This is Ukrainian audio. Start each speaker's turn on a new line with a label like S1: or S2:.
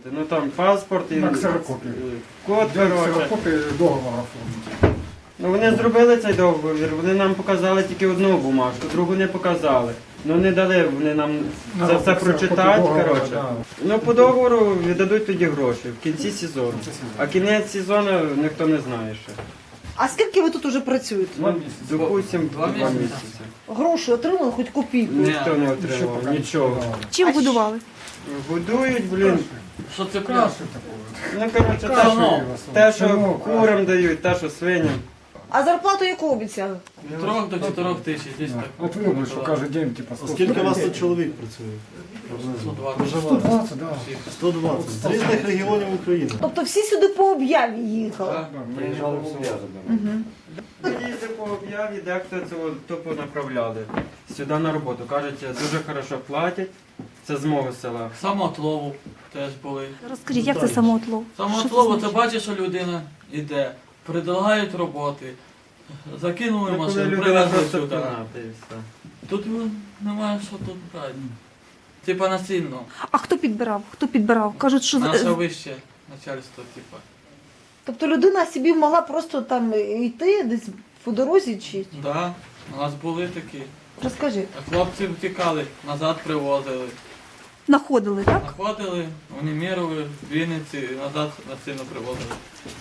S1: Ну там паспорт і
S2: На ксерокопії.
S1: код, коротше.
S2: Ксерокопії договора оформити.
S1: Ну вони зробили цей договір, вони нам показали тільки одну бумажку, другу не показали. Ну не дали вони нам це все прочитати, коротше. Ну по договору віддадуть тоді гроші в кінці сезону. А кінець сезону ніхто не знає ще.
S3: А скільки ви тут уже працюєте?
S1: Допустим,
S4: Два
S1: 2
S4: місяці.
S1: місяці.
S3: Гроші отримали хоч копійку?
S1: Ніхто не отримав, нічого.
S5: Чим годували?
S1: Годують, блін.
S4: Що це
S2: Каші
S4: пляж?
S2: такого.
S1: Ну коротше,
S4: Каші.
S1: те, що курам дають, те, що свиням.
S3: А зарплату яку обіцяли?
S4: 3 до 4 тисяч, десь так.
S2: От вибір, що каже день, типа 100.
S6: Скільки у вас тут чоловік працює?
S4: 120.
S2: 120, да.
S6: 120. З різних регіонів України.
S3: Тобто всі сюди по об'яві їхали?
S4: Так.
S1: Приїжджали в Їздив по об'яві, дехто цього тупо направляли сюди на роботу. Кажуть, дуже хорошо платять. Це з мого села.
S4: Самоотлову теж були.
S5: Розкажіть, як це самоотлов?
S4: Самоотлову, це бачиш, що людина йде, предлагають роботи, закинули
S1: Ну, коли
S4: машину,
S1: людина
S4: привезли
S1: просто
S4: сюди.
S1: пінати і все.
S4: Тут немає що тут брати. Типа насильно.
S5: А хто підбирав? Хто підбирав? Кажуть, що
S4: Наше вище начальство, типа.
S3: Тобто людина собі могла просто там йти десь по дорозі чи?
S4: Да, у нас були такі.
S3: Розкажи.
S4: А хлопці втікали, назад привозили.
S5: знаходили, так?
S4: Находили, унімірували, в Вінниці і назад насильно привозили.